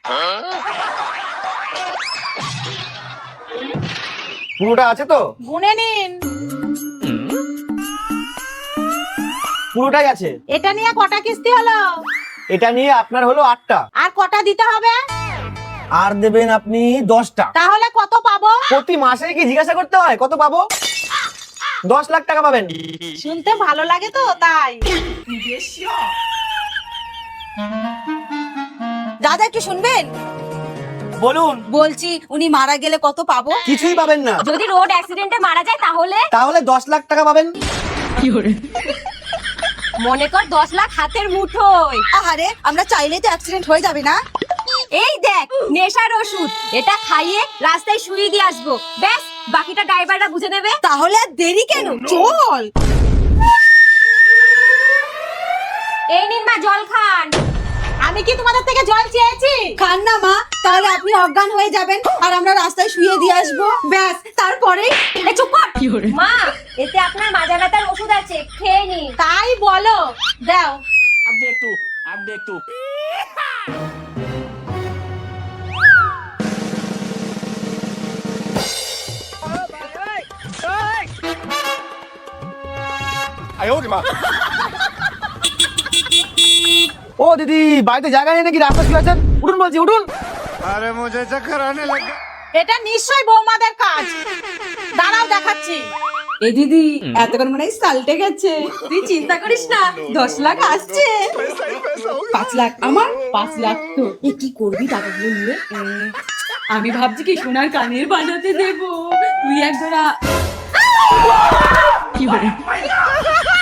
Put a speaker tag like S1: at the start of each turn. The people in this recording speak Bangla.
S1: পুরোটা আছে তো?
S2: গুনে নিন।
S1: পুরোটাই আছে।
S2: এটা নিয়ে কটা কিস্তি হলো?
S1: এটা নিয়ে আপনার হলো 8টা।
S2: আর কটা দিতে হবে?
S1: আর দেবেন আপনি 10টা।
S2: তাহলে কত পাবো?
S1: প্রতি মাসে কি জিজ্ঞাসা করতে হয় কত পাবো? 10 লাখ টাকা পাবেন।
S2: শুনতে ভালো লাগে তো তাই।
S3: দাদা একটু শুনবেন?
S1: বলুন।
S3: বলছি উনি মারা গেলে কত পাবো?
S1: কিছুই পাবেন না।
S3: যদি রোড অ্যাক্সিডেন্টে মারা যায়
S1: তাহলে 10 লাখ টাকা পাবেন।
S3: মনে কর 10 লাখ হাতের মুঠোয়। আহারে আমরা চাইলেই তো অ্যাক্সিডেন্ট হয়ে যাবে না? এই দেখ নেশার ওষুধ, এটা খাইয়ে রাস্তায় শুয়ে দিয়ে আসবো, ব্যাস বাকিটা ড্রাইভাররা বুঝে নেবে। তাহলে আর দেরি কেন, চল। এই নিন মা জল খান।
S2: আমি কি তোমাদের থেকে জল চেয়েছি?
S3: খান না মা, তাহলে আপনি অজ্ঞান হয়ে যাবেন আর আমরা রাস্তায় শুয়ে দিয়ে আসবো, ব্যাস তারপরে। চুপ কর মা, এতে আপনার মাজা ব্যথার ওষুধ আছে, খেয়ে নিন।
S2: তাই বলো, দাও।
S4: अब देख तू
S1: ও দিদি, বাড়িতে জায়গা নেই নাকি? রাস্তা শুয়ে আছেন? উঠুন বলছি, উঠুন।
S4: अरे मुझे चक्कर आने लगा।
S2: এটা নিশ্চয়ই বৌমাদের কাজ। দাঁড়াও দেখাচ্ছি।
S3: এই দিদি এতক্ষণ মনে হয় সালটে গেছে, তুই চিন্তা করিস না, 10 লাখ আসছে। 5 লাখ আমার, 5 লাখ তো। এ কি করবি টাকাগুলো নিয়ে? আমি ভাবছি কি সোনার কানের বানাতে দেবো, তুই এক জোড়া। কি বলে